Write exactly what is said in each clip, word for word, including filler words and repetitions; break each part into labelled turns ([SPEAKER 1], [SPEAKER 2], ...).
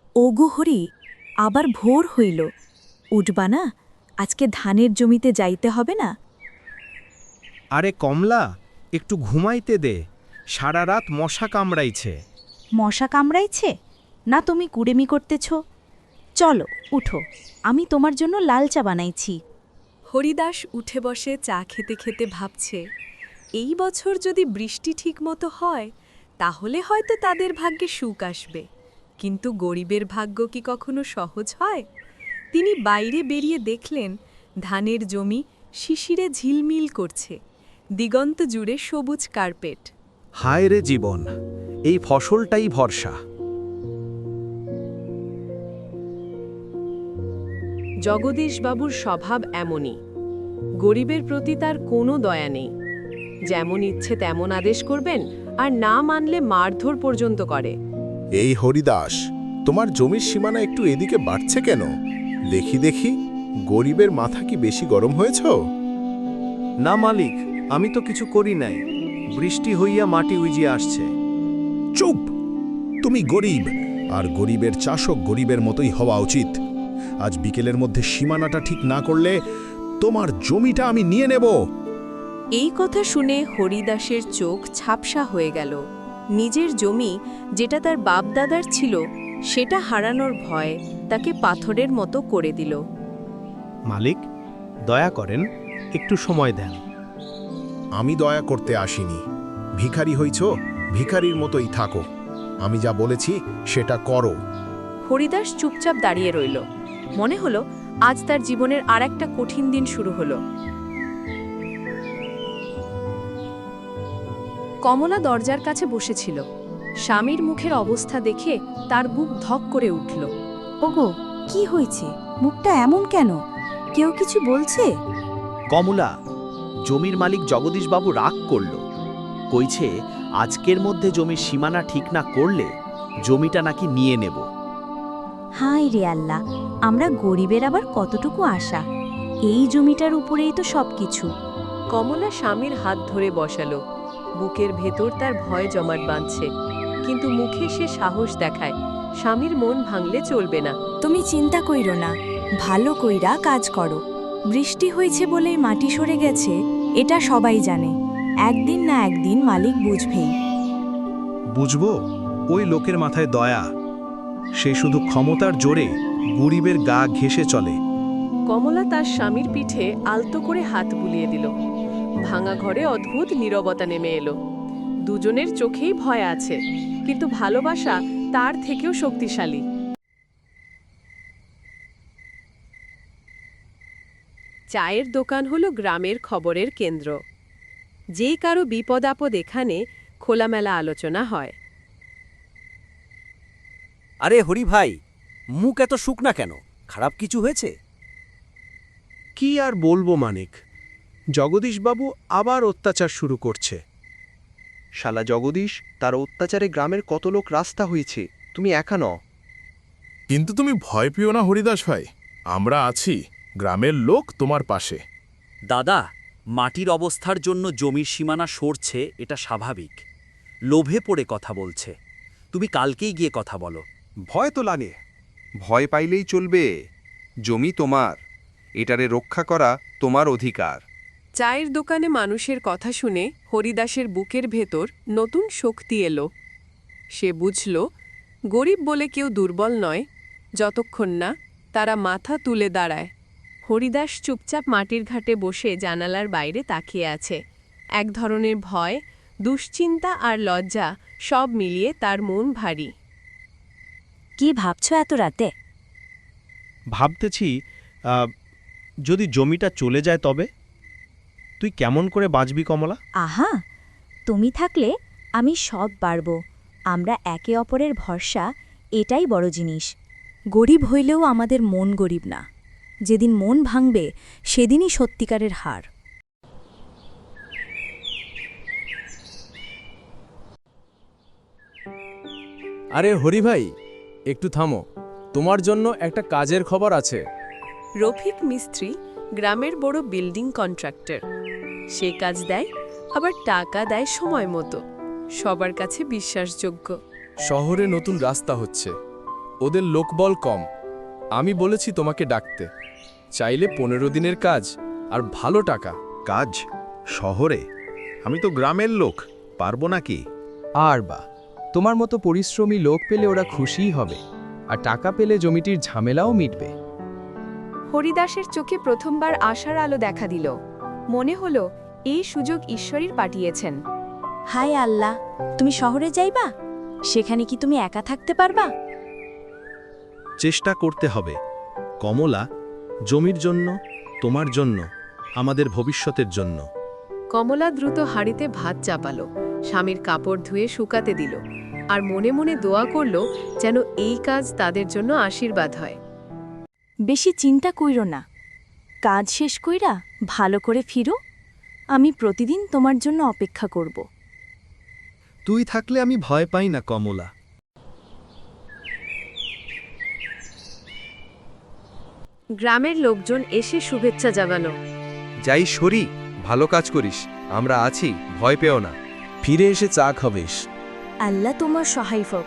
[SPEAKER 1] ওগো হরি, আবার ভোর হইল, উঠবা না? আজকে ধানের জমিতে যাইতে হবে না?
[SPEAKER 2] আরে কমলা, একটু ঘুমাইতে দে, সারা রাত মশা কামড়াইছে।
[SPEAKER 1] মশা কামড়াইছে? না তুমি কুড়েমি করতেছ? চলো উঠো, আমি তোমার জন্য লাল চা বানাইছি।
[SPEAKER 3] হরিদাস উঠে বসে চা খেতে খেতে ভাবছে, এই বছর যদি বৃষ্টি ঠিকমতো হয় তাহলে হয়তো তাদের ভাগ্যে সুখ আসবে, কিন্তু গরিবের ভাগ্য কি কখনো সহজ হয়? তিনি বাইরে বেরিয়ে দেখলেন ধানের জমি শিশিরে ঝিলমিল করছে, দিগন্ত জুড়ে সবুজ কার্পেট।
[SPEAKER 2] হায় রে জীবন, এই ফসলটাই ভরসা।
[SPEAKER 3] জগদীশবাবুর স্বভাব এমনই, গরিবের প্রতি তার কোনো দয়া নেই। যেমন ইচ্ছে তেমন আদেশ করবেন, আর না মানলে মারধর পর্যন্ত করে।
[SPEAKER 4] এই হরিদাস, তোমার জমির সীমানা একটু এদিকে বাড়ছে কেন? দেখি দেখি, গরিবের মাথা কি বেশি গরম হয়েছ?
[SPEAKER 2] না মালিক, আমি তো কিছু করি নাই, বৃষ্টি হইয়া মাটি উইজিয়ে আসছে।
[SPEAKER 4] চুপ! তুমি গরিব, আর গরিবের চাষও গরিবের মতোই হওয়া উচিত। আজ বিকেলের মধ্যে সীমানাটা ঠিক না করলে তোমার জমিটা আমি নিয়ে নেব।
[SPEAKER 3] এই কথা শুনে হরিদাসের চোখ ঝাপসা হয়ে গেল। নিজের জমি, যেটা তার বাপদাদার ছিল, সেটা হারানোর ভয় তাকে পাথরের মতো করে দিল।
[SPEAKER 2] মালিক, দয়া করেন, একটু সময় দেন।
[SPEAKER 4] আমি দয়া করতে আসিনি। ভিখারি হইছ, ভিখারির মতোই থাকো। আমি যা বলেছি সেটা করো।
[SPEAKER 3] হরিদাস চুপচাপ দাঁড়িয়ে রইল। মনে হলো আজ তার জীবনের আর একটা কঠিন দিন শুরু হলো। কমলা দরজার কাছে বসেছিল। স্বামীর মুখের অবস্থা দেখে তার বুক ধক করে উঠল।
[SPEAKER 1] ওগো, কি হয়েছে? মুখটা এমন কেন? কেউ কিছু বলছে?
[SPEAKER 5] কমলা, জমির মালিক জগদীশবাবু রাগ করল, কইছে আজকের মধ্যে জমির সীমানা ঠিক না করলে জমিটা নাকি নিয়ে নেব।
[SPEAKER 1] হায় রে আল্লাহ, আমরা গরিবের আবার কতটুকু আশা! এই জমিটার উপরেই তো সবকিছু।
[SPEAKER 3] কমলা স্বামীর হাত ধরে বসালো। বুকের ভেতর তার ভয় জমাট বাঁধছে, কিন্তু মুখে সে সাহস দেখায় স্বামীর মন ভাঙলে চলবে না।
[SPEAKER 1] তুমি চিন্তা কইরো না, ভালো কইরা কাজ করো। বৃষ্টি হয়েছে বলেই মাটি সরে গেছে, এটা সবাই জানে। একদিন না একদিন মালিক বুঝবেই।
[SPEAKER 2] বুঝবো? ওই লোকের মাথায় দয়া, সে শুধু ক্ষমতার জোরে গরিবের গা ঘেঁষে চলে।
[SPEAKER 3] কমলা তার স্বামীর পিঠে আলতো করে হাত বুলিয়ে দিল। ভাঙা ঘরে অদ্ভুত নীরবতা নেমে এলো। দুজনের চোখেই ভয় আছে, কিন্তু ভালোবাসা তার থেকেও শক্তিশালী। চায়ের দোকান হলো গ্রামের খবরের কেন্দ্র। যে কারো বিপদ আপদ এখানে খোলামেলা আলোচনা হয়।
[SPEAKER 5] আরে হরি ভাই, মুখ এত শুকনা কেন? খারাপ কিছু হয়েছে?
[SPEAKER 2] কি আর বলবো মানিক, জগদীশবাবু আবার অত্যাচার শুরু করছে।
[SPEAKER 6] শালা জগদীশ, তার অত্যাচারে গ্রামের কত লোক রাস্তা হয়েছে, তুমি একা ন।
[SPEAKER 4] কিন্তু তুমি ভয় পেও না হরিদাস ভাই, আমরা আছি। গ্রামের লোক তোমার পাশে।
[SPEAKER 5] দাদা, মাটির অবস্থার জন্য জমির সীমানা সরছে, এটা স্বাভাবিক। লোভে পড়ে কথা বলছে। তুমি কালকেই গিয়ে কথা বলো।
[SPEAKER 6] ভয় তো লাগে, ভয় পাইলেই চলবে। জমি তোমার, এটারে রক্ষা করা তোমার অধিকার।
[SPEAKER 3] চায়ের দোকানে মানুষের কথা শুনে হরিদাসের বুকের ভেতর নতুন শক্তি এলো। সে বুঝল, গরিব বলে কেউ দুর্বল নয়, যতক্ষণ না তারা মাথা তুলে দাঁড়ায়। হরিদাস চুপচাপ মাটির ঘাটে বসে জানালার বাইরে তাকিয়ে আছে। এক ধরনের ভয়, দুশ্চিন্তা আর লজ্জা সব মিলিয়ে তার মন ভারী।
[SPEAKER 1] কি ভাবছো এত রাতে?
[SPEAKER 2] ভাবতেছি, আহ, যদি জমিটা চলে যায় তবে তুই কেমন করে বাঁচবি কমলা?
[SPEAKER 1] আহা, তুমি থাকলে আমি সব পারব। আমরা একে অপরের ভরসা, এটাই বড় জিনিস। গরিব হইলেও আমাদের মন গরিব না। যেদিন মন ভাঙবে সেদিনই সত্যিকারের হার।
[SPEAKER 7] আরে হরি ভাই, একটু থামো, তোমার জন্য একটা কাজের খবর আছে।
[SPEAKER 3] রফিক মিস্ত্রি গ্রামের বড় বিল্ডিং কন্ট্রাক্টর। সে কাজ দেয়, আবার টাকা দেয় সময় মতো। সবার কাছে বিশ্বাসযোগ্য।
[SPEAKER 7] শহরে নতুন রাস্তা হচ্ছে, ওদের লোকবল কম। আমি বলেছি তোমাকে ডাকতে। চাইলে পনেরো দিনের কাজ আর ভালো টাকা।
[SPEAKER 4] কাজ শহরে? আমি তো গ্রামের লোক, পারবো নাকি?
[SPEAKER 8] আর বা তোমার মতো পরিশ্রমী লোক পেলে ওরা খুশিই হবে, আর টাকা পেলে জমিটির ঝামেলাও মিটবে।
[SPEAKER 9] হরিদাসের চোখে প্রথমবার আশার আলো দেখা দিল। মনে হলো এই সুযোগ ঈশ্বরই পাঠিয়েছেন।
[SPEAKER 1] হায় আল্লাহ, তুমি শহরে যাইবা? সেখানে কি তুমি একা থাকতে পারবা?
[SPEAKER 2] চেষ্টা করতে হবে কমলা, জমির জন্য, তোমার জন্য, আমাদের ভবিষ্যতের জন্য।
[SPEAKER 3] কমলা দ্রুত হাঁড়িতে ভাত চাপালো, স্বামীর কাপড় ধুয়ে শুকাতে দিল, আর মনে মনে দোয়া করল যেন এই কাজ তাদের জন্য আশীর্বাদ হয়।
[SPEAKER 1] বেশি চিন্তা কইরো না, কাজ শেষ কইরা ভালো করে ফিরো। আমি প্রতিদিন তোমার জন্য অপেক্ষা করব।
[SPEAKER 2] তুই থাকলে আমি ভয় পাই না কমলা।
[SPEAKER 3] গ্রামের লোকজন এসে শুভেচ্ছা জানালো।
[SPEAKER 6] যাই সরি, ভালো কাজ করিস, আমরা আছি, ভয় পেও না।
[SPEAKER 7] ফিরে এসে চা খাবেস।
[SPEAKER 1] আল্লাহ তোমার সহায় হোক।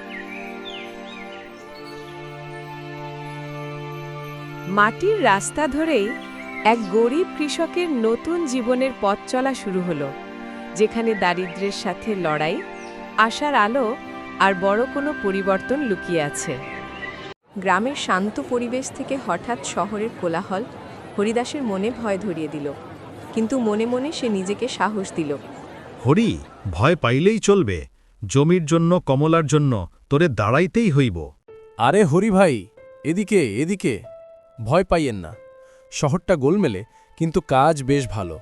[SPEAKER 3] মাটির রাস্তা ধরেই এক গরিব কৃষকের নতুন জীবনের পথ চলা শুরু হলো, যেখানে দারিদ্র্যের সাথে লড়াই, আশার আলো আর বড় কোনো পরিবর্তন লুকিয়ে আছে। গ্রামের শান্ত পরিবেশ থেকে হঠাৎ শহরের কোলাহল হরিদাসের মনে ভয় ধরিয়ে দিল, কিন্তু মনে মনে সে নিজেকে সাহস দিল।
[SPEAKER 4] হরি, ভয় পাইলেই চলবে। জমির জন্য, কমলার জন্য তোরে দাঁড়াইতেই হইব।
[SPEAKER 7] আরে হরি ভাই, এদিকে এদিকে, ভয় পাইয়েন না। শহরটা গোলমেলে, কিন্তু কাজ বেশ ভালো।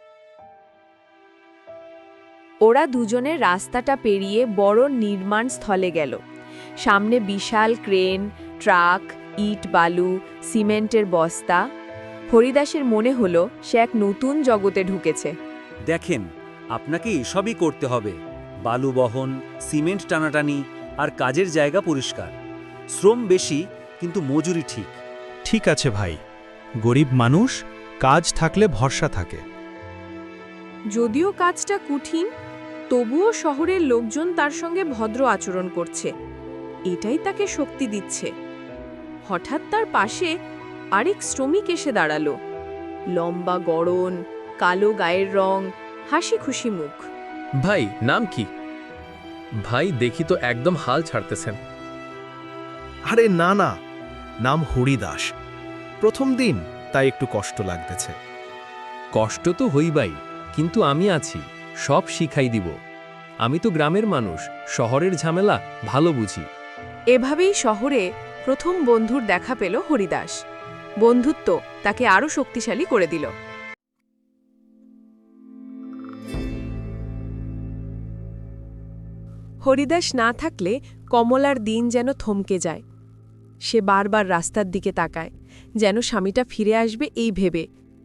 [SPEAKER 9] ওরা দুজনে রাস্তাটা পেরিয়ে বড় নির্মাণ স্থলে গেল। সামনে বিশাল ক্রেন, ট্রাক, ইট, বালু, সিমেন্টের বস্তা। হরিদাসের মনে হলো সে এক নতুন জগতে ঢুকেছে।
[SPEAKER 10] দেখেন, আপনাকে এসবই করতে হবে। বালু বহন, সিমেন্ট টানাটানি আর কাজের জায়গা পরিষ্কার। শ্রম বেশি, কিন্তু মজুরি ঠিক।
[SPEAKER 2] ঠিক আছে ভাই, গরিব মানুষ, কাজ থাকলে ভরসা থাকে।
[SPEAKER 3] যদিও কাজটা কঠিন, তবুও শহরের লোকজন তার সঙ্গে ভদ্র আচরণ করছে। এটাই তাকে শক্তি দিচ্ছে। হঠাৎ তার পাশে আরেক শ্রমিক এসে দাঁড়ালো। লম্বা গড়ন, কালো গায়ের রং, হাসি খুশি মুখ।
[SPEAKER 7] ভাই, নাম কি? ভাই, দেখি তো একদম হাল ছাড়তেছেন।
[SPEAKER 2] আরে না না, নাম হরিদাস। প্রথম দিন, তাই একটু কষ্ট লাগতেছে।
[SPEAKER 7] কষ্ট তো হইবাই, কিন্তু আমি আছি, সব শিখাই দিব। আমি তো গ্রামের মানুষ, শহরের ঝামেলা ভালো বুঝি।
[SPEAKER 3] এভাবেই শহরে প্রথম বন্ধুর দেখা পেল হরিদাস। বন্ধুত্ব তাকে আরও শক্তিশালী করে দিল। হরিদাস না থাকলে কমলার দিন যেন থমকে যায়। সে বারবার রাস্তার দিকে তাকায়, যেন স্বামীটা ফিরে আসবে এই ভেবে।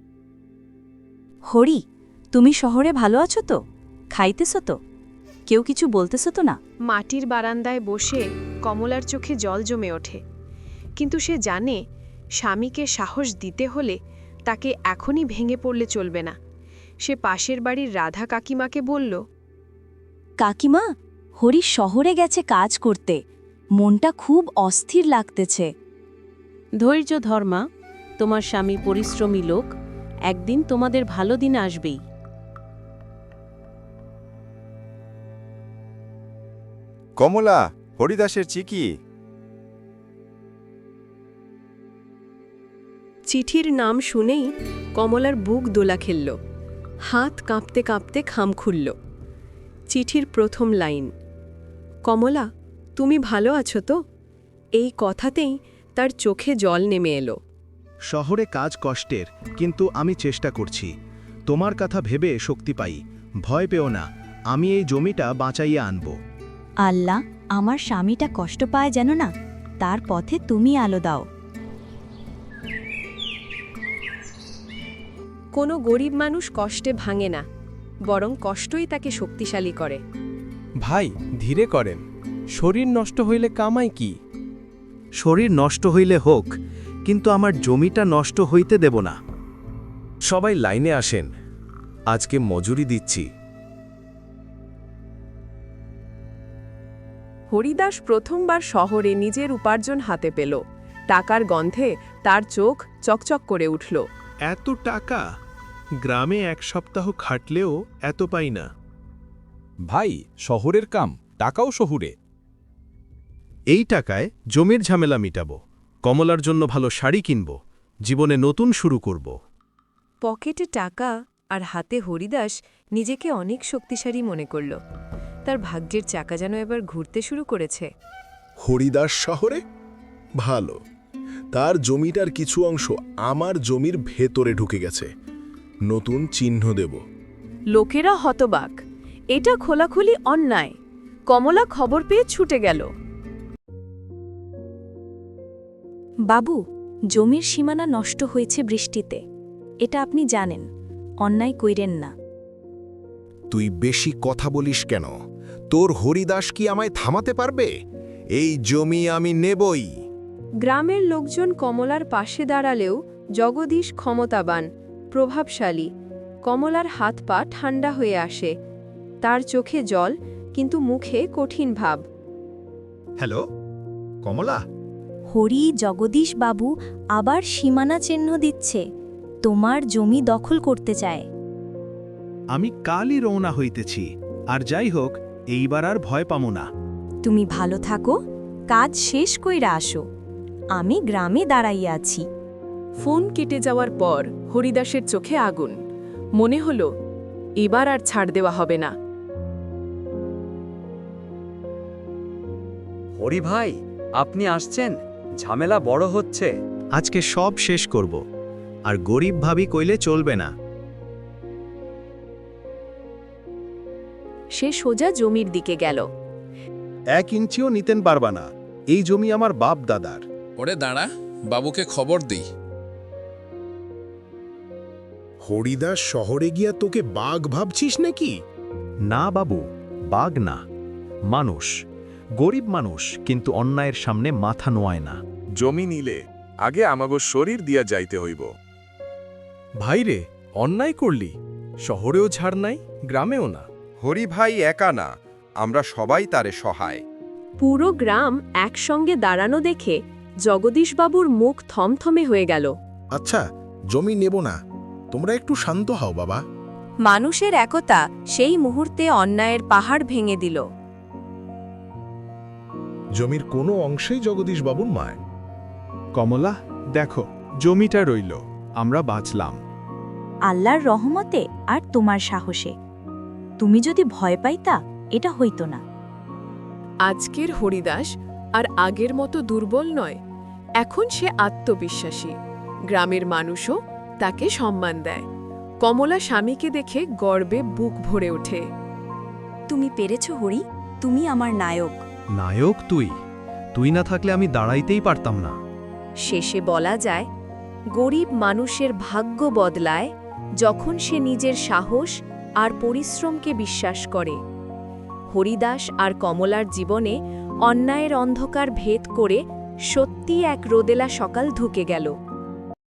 [SPEAKER 1] হরি, তুমি শহরে ভালো আছো তো? খাইতেছ তো? কেউ কিছু বলতেছ তো না?
[SPEAKER 3] মাটির বারান্দায় বসে কমলার চোখে জল জমে ওঠে, কিন্তু সে জানে স্বামীকে সাহস দিতে হলে তাকে এখনই ভেঙে পড়লে চলবে না। সে পাশের বাড়ির রাধা কাকিমাকে বলল,
[SPEAKER 1] কাকিমা, হরি শহরে গেছে কাজ করতে। মনটা খুব অস্থির লাগতেছে।
[SPEAKER 11] ধৈর্য ধর মা, তোমার স্বামী পরিশ্রমী লোক, একদিন তোমাদের ভালো দিন আসবেই।
[SPEAKER 6] কমলা, হরিদাসের চিঠি।
[SPEAKER 3] চিঠির নাম শুনেই কমলার বুক দোলা খেলল, হাত কাঁপতে কাঁপতে খাম খুলল। চিঠির প্রথম লাইন, কমলা, তুমি ভালো আছো তো? এই কথাতেই তার চোখে জল নেমে এলো।
[SPEAKER 4] শহরে কাজ কষ্টের, কিন্তু আমি চেষ্টা করছি। তোমার কথা ভেবে শক্তি পাই। ভয় পেও না, আমি এই জমিটা বাঁচাইয়া আনব।
[SPEAKER 1] আল্লাহ, আমার স্বামীটা কষ্ট পায় যেন না, তার পথে তুমি আলো দাও।
[SPEAKER 3] কোনো গরিব মানুষ কষ্টে ভাঙে না, বরং কষ্টই তাকে শক্তিশালী করে।
[SPEAKER 7] ভাই, ধীরে করেন। শরীর নষ্ট হইলে কামাই কি?
[SPEAKER 2] শরীর নষ্ট হইলে হোক, কিন্তু আমার জমিটা নষ্ট হইতে দেব না।
[SPEAKER 7] সবাই লাইনে আসেন, আজকে মজুরি দিচ্ছি।
[SPEAKER 3] হরিদাস প্রথমবার শহরে নিজের উপার্জন হাতে পেল। টাকার গন্ধে তার চোখ চকচক করে উঠল।
[SPEAKER 2] এত টাকা গ্রামে এক সপ্তাহ খাটলেও এত পাই না।
[SPEAKER 12] ভাই, শহরের কাম, টাকাও শহুরে।
[SPEAKER 2] এই টাকায় জমির ঝামেলা মিটাবো, কমলার জন্য ভালো শাড়ি কিনব, জীবনে নতুন শুরু করব।
[SPEAKER 9] পকেটে টাকা আর হাতে হরিদাস নিজেকে অনেক শক্তিশালী মনে করল। তার ভাগ্যের চাকা যেন এবার ঘুরতে শুরু করেছে।
[SPEAKER 4] হরিদাস শহরে? ভালো, তার জমিটার কিছু অংশ আমার জমির ভেতরে ঢুকে গেছে। নতুন চিহ্ন দেব।
[SPEAKER 9] লোকেরা হতবাক, এটা খোলাখুলি অন্যায়। কমলা খবর পেয়ে ছুটে গেল।
[SPEAKER 1] বাবু, জমির সীমানা নষ্ট হয়েছে বৃষ্টিতে, এটা আপনি জানেন। অন্যায় কইরেন না।
[SPEAKER 4] তুই বেশি কথা বলিস কেন? তোর হরিদাস কি আমায় থামাতে পারবে? এই জমি আমি নেবই।
[SPEAKER 9] গ্রামের লোকজন কমলার পাশে দাঁড়ালেও জগদীশ ক্ষমতাবান, প্রভাবশালী। কমলার হাত পা ঠান্ডা হয়ে আসে, তার চোখে জল, কিন্তু মুখে কঠিন ভাব।
[SPEAKER 4] হ্যালো কমলা।
[SPEAKER 1] হরি জগদীশ বাবু আবার সীমানা চিহ্ন দিচ্ছে, তোমার জমি দখল করতে চায়।
[SPEAKER 2] আমি কালই রওনা হইতেছি, আর যাই হোক এইবার আর ভয় পামো না।
[SPEAKER 1] তুমি ভালো থাকো, কাজ শেষ কইরা আসো, আমি গ্রামে দাঁড়াইয়া আছি।
[SPEAKER 3] ফোন কেটে যাওয়ার পর হরিদাসের চোখে আগুন। মনে হল এবার আর ছাড় দেওয়া হবে না।
[SPEAKER 10] হরি ভাই, আপনি আসছেন? ঝামেলা বড় হচ্ছে।
[SPEAKER 2] আজকে সব শেষ করব, আর গরিব ভাবি কইলে চলবে না।
[SPEAKER 9] সে সোজা জমির দিকে গেল।
[SPEAKER 4] এক ইঞ্চিও নিতেন পারবা না, এই জমি আমার বাপ দাদার।
[SPEAKER 12] ওরে দাঁড়া, বাবুকে খবর দিই।
[SPEAKER 4] হরিদাস শহরে গিয়া তোকে বাঘ ভাবছিস নাকি?
[SPEAKER 2] না বাবু, বাঘ না, মানুষ। গরিব মানুষ, কিন্তু অন্যায়ের সামনে মাথা নোয়ায় না।
[SPEAKER 12] জমি নিলে আগে আমাগো শরীর দিয়া যাইতে হইব।
[SPEAKER 8] ভাইরে, অন্যায় করলি, শহরেও ছাড় নাই, গ্রামেও না।
[SPEAKER 6] হরি ভাই একা না, আমরা সবাই তারে সহায়।
[SPEAKER 9] পুরো গ্রাম একসঙ্গে দাঁড়ানো দেখে জগদীশবাবুর মুখ থমথমে হয়ে গেল।
[SPEAKER 4] আচ্ছা, জমি নেব না, তোমরা একটু শান্ত হও বাবা।
[SPEAKER 9] মানুষের একতা সেই মুহূর্তে অন্যায়ের পাহাড় ভেঙে দিল।
[SPEAKER 4] জমির কোনো অংশেই জগদীশ বাবুর মায়।
[SPEAKER 2] কমলা, দেখো জমিটা রইল, আমরা বাঁচলাম।
[SPEAKER 1] আল্লাহর রহমতে আর তোমার সাহসে। তুমি যদি ভয় পাইতা, এটা হইতো না।
[SPEAKER 3] আজকের হরিদাস আর আগের মতো দুর্বল নয়, এখন সে আত্মবিশ্বাসী। গ্রামের মানুষও তাকে সম্মান দেয়। কমলা স্বামীকে দেখে গর্বে বুক ভরে ওঠে।
[SPEAKER 1] তুমি পেরেছ হরি, তুমি আমার নায়ক।
[SPEAKER 2] নায়ক তুই? তুই না থাকলে আমি দাঁড়াইতেই পারতাম না।
[SPEAKER 9] শেষে বলা যায়, গরিব মানুষের ভাগ্য বদলায় যখন সে নিজের সাহস আর পরিশ্রমকে বিশ্বাস করে। হরিদাস আর কমলার জীবনে অন্যায়ের অন্ধকার ভেদ করে সত্যি এক রোদেলা সকাল ঢুকে গেল।